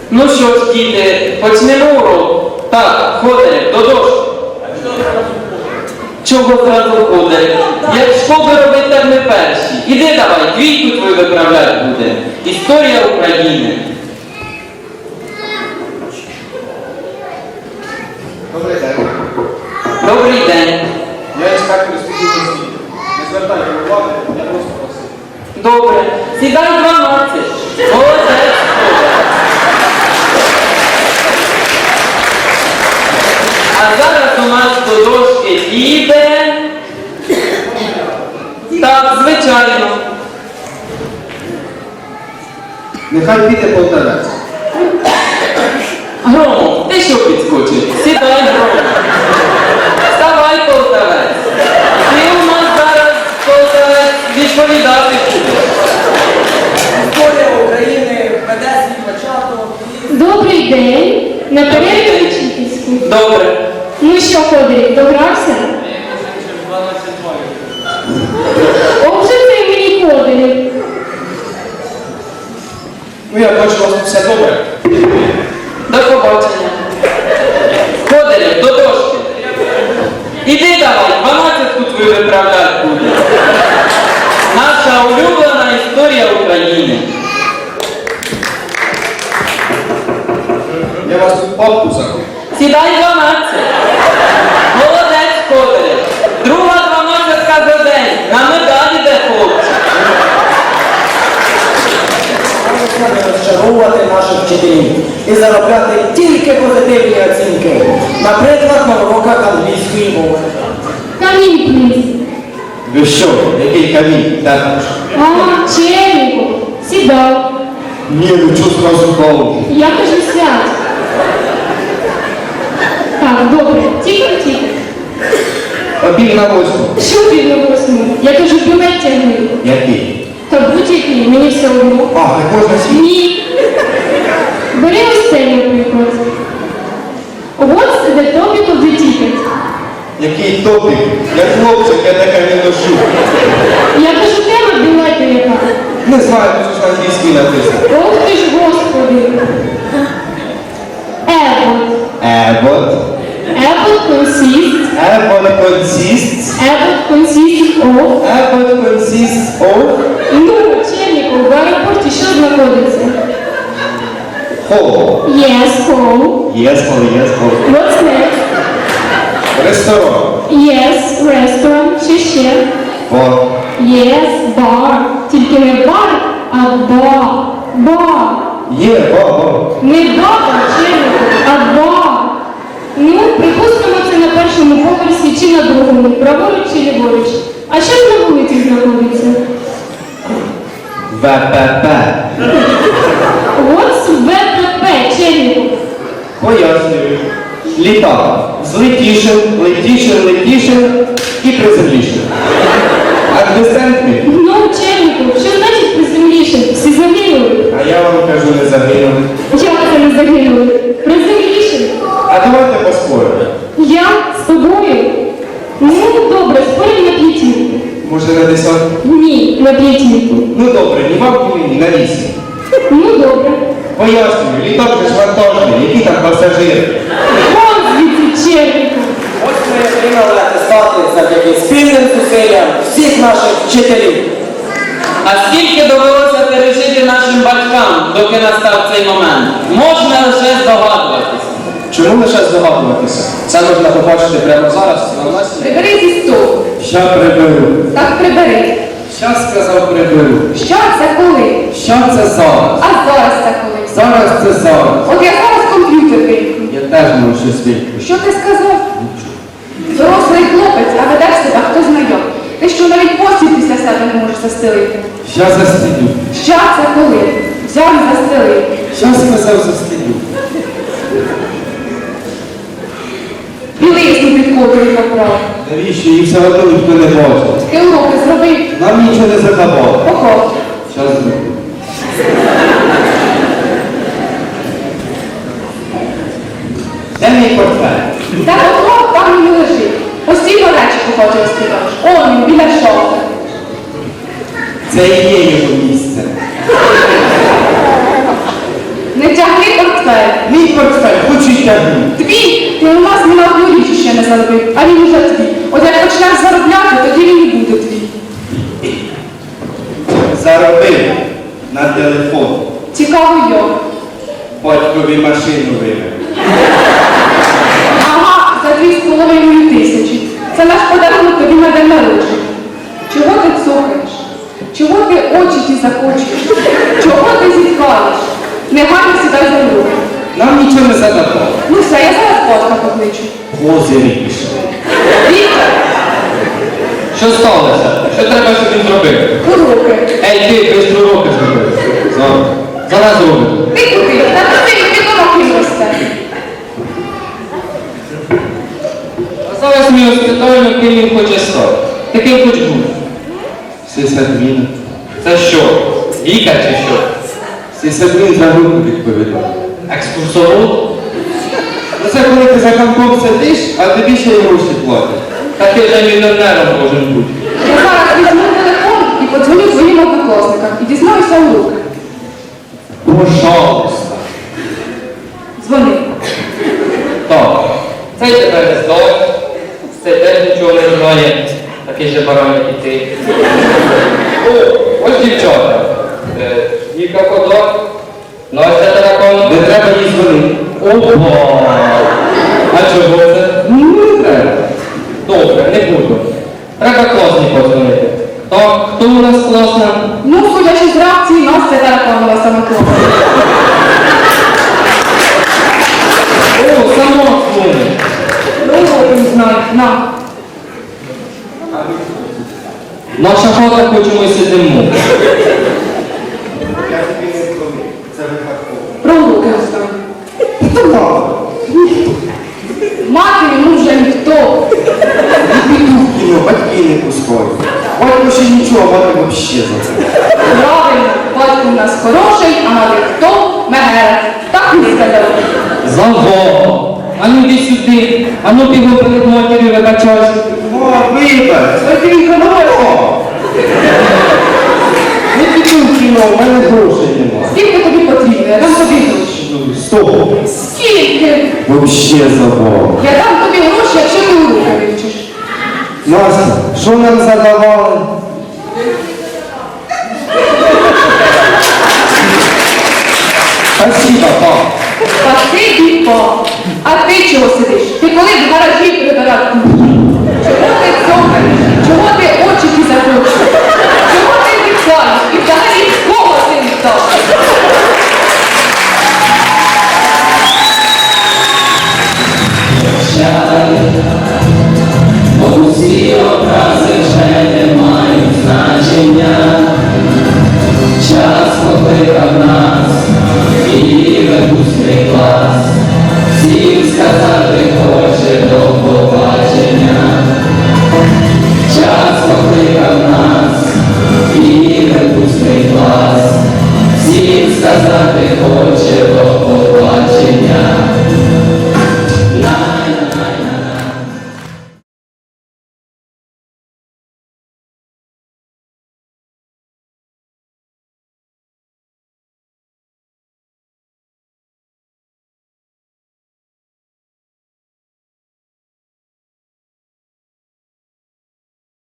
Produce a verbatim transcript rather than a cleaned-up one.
Ну що ж, діти, почнемо урок. Так, Ходорів, до дошки. Чого зразу Ходорів? Як школи робить, так ми перші. Іди давай, двійку твою виправляти буде. Історія України. Добрий день. Добрий день. Я інспектор інституту освіти. Не звертайте уваги, я просто просив. Добре. Сідай дванадцять. Молодець. А зараз у нас до дошки піде. Так, звичайно. Нехай піде полтавець. Громов, ти що підскочив? Сідай, Громов. Вставай, полтавець. Ти у нас зараз, полтавець, відповідати будеш. Історія України веде свій початок і... Добрий день. На перерві вчительську. Добре. Ну що, Ходорів, догрався? О, вже це мені Ходорів. Ну я бачу, у вас тут все добре. До побачення. Ходорів, до дошки. Іди давай, дванадцятку твою виправляти буде. Наша улюблена історія України. Я вас тут папку закрив. Сідай дванадцять. Молодець, Ходорів. Друга дванадцятка за день. На медалі де хлопці. Треба розчаровувати наших вчителів і заробляти тільки позитивні оцінки. Наприклад, на уроках англійської мови. Камінь, пліз. Ви що? Який камінь? Так. А, Черніку. Сідай. Ні, ну чого зразу голову? Я кажу, сядь. Так, добре. Тільки-тільки. Обіг на восьму. Що ти на восьму? Я кажу, білет тягни. Який? Та будь-який, мені все одно. А, так можна свій. Ні. Бери ось цей, наприклад. What's the topic of the ticket? Який топік? Я хлопчик, я таке не ношу. Я кажу, тема білету яка. Не знаю, тут ж на англійській написано. Ох ти ж, Господи. Airport. Airport. Airport consists. Airport consists. Airport consists of. Airport consists of. Ну, Черніков, в аеропорті що знаходиться? Hall. Yes, hall. Yes, hall, yes, hall. What's next? Ресторан. Yes, restaurant. Ще ще. Бар. Yes, bar. Тільки не бар, а бар. Бар. Є, бар. Не баба, Черніков, а бар. Ну, припустимо, це на першому поверсі чи на другому, праворуч чи ліворуч. А що ж на вулиці знаходиться? ВПП. What's ве пе пе, Черніков? Пояснюю. Літак. Злетішим, летішим, летішим і приземлішим. А десентник? Ну, Черніков, що значить приземліше? Всі загинули. А я вам кажу, не загинули. Як це не загинули? Приземліше. А давайте поспоримо. Я з тобою? Ну, добре, спорим на п'ятірку. Може на десятку? Ні, на п'ятірку. Ну добре, ні вам, ні мені, на вісім. Ну, добре. Пояснюю, літак же ж вантажний, які там пасажири. Вон звідси, Черніков. Ось ми отримали атестати завдяки спільним зусиллям всіх наших вчителів. А скільки довелося пережити нашим батькам, доки настав цей момент? Можна лише здогадуватися. Чому лише здогадуватися? Це можна побачити прямо зараз, на нас. Прибери зі столу. Ща приберу. Так, прибери. Ща сказав приберу. Що це коли? Що це зараз? А зараз це коли? Зараз це зараз. От я зараз комп'ютер вимкну. Я теж можу щось виключити. Що ти сказав? Дорослий хлопець, а ведеш себе, хто знайом. Ти що навіть постіль після себе не можеш застелити? Ща застелю. Що це коли? Взяв і застелив. Ща сказав застелю. Білизну під ковдрою поправ. Навіщо? Їх все одно ніхто не бачить. Ти уроки зробив. Нам нічого не заховало. Ого. Щас зроблю. Де мій портфель? Так ого, там він лежить. Постійно речі хоче розкидаєш. Он він, біля шофа. Це і є його місце. Не тягни портфель. портфель. Мій портфель, хочу й тягну. Твій? Ти у нас ні на одну річ ще не заробив, а він уже твій. От як почнеш заробляти, тоді він і буде твій. Заробив на телефон. Цікаво як. Батькові машину вивів. Ага, за дві з половиною тисячі. Це наш подарунок тобі на день народження. Чого ти цокаєш? Чого ти очі ті закочуєш? Чого ти зіткаєш? Негайно сідай за руку. Нам нічого не задавало. Ну все, я зараз батька покличу. Озері пішли. Віктор, Що сталося? Що треба, щоб він зробив? уроки. Ей, ти, бистро уроки зробив. Зараз. Зараз зробив. Ти куди? Та ти ти дома росте. А зараз ми розпитаємо, ким він хоче стати. Таким хоч був. Сисадмін. Це що? Лікар чи що? Сисадмін за руку відповідав. Екскурсовод? Ну це коли ти за компом сидиш, а тобі ще й гроші платять. Та ти вже мільйонером можеш бути. Я зараз візьму телефон і подзвоню своїм однокласникам і дізнаюся уроки. Пожалуйста. Дзвони. Так, цей тебе не здав, цей теж нічого не знає, такий же баран, як і ти. О, ось дівчата. Е, Віка Кодак, Настя Таракон. Не треба їй дзвонити. Опа! А чого це? Ну, не треба. Добре, не буду. Треба класні подзвонити. Так, хто у нас класна? Ну, судячи з реакції, Настя Тараканова саме класна. О, сама дзвонить. Ну, от не знаю, на. Наша хата, хоч ми сидимо. Я тобі не дзвонив. Це випадково. Про уроки останні. Хто мало? Мати йому вже ніхто. Піду в кіно, батьки не пускають. Батько ще нічого, а мати взагалі за це. Правильно, батько в нас хороший, а мати хто? Мегера. Так не сказав. Завго! А ну йди сюди, а ну ти його перед матір'ю вибачаєш. О, вибач, спокійно, хорошо. Не піду в кіно, в мене грошей нема. Скільки тобі потрібно? Я дам тобі гроші. Ну, сто. Скільки? Вообще забав. Я дам тобі гроші, якщо ти уроки вивчиш. Настя, що нам задавали? Спасибо, пап. Спасибі, пап. А ти чого сидиш? Ти коли в гаражі прибирати? Чого ти цокаєш? Чого ти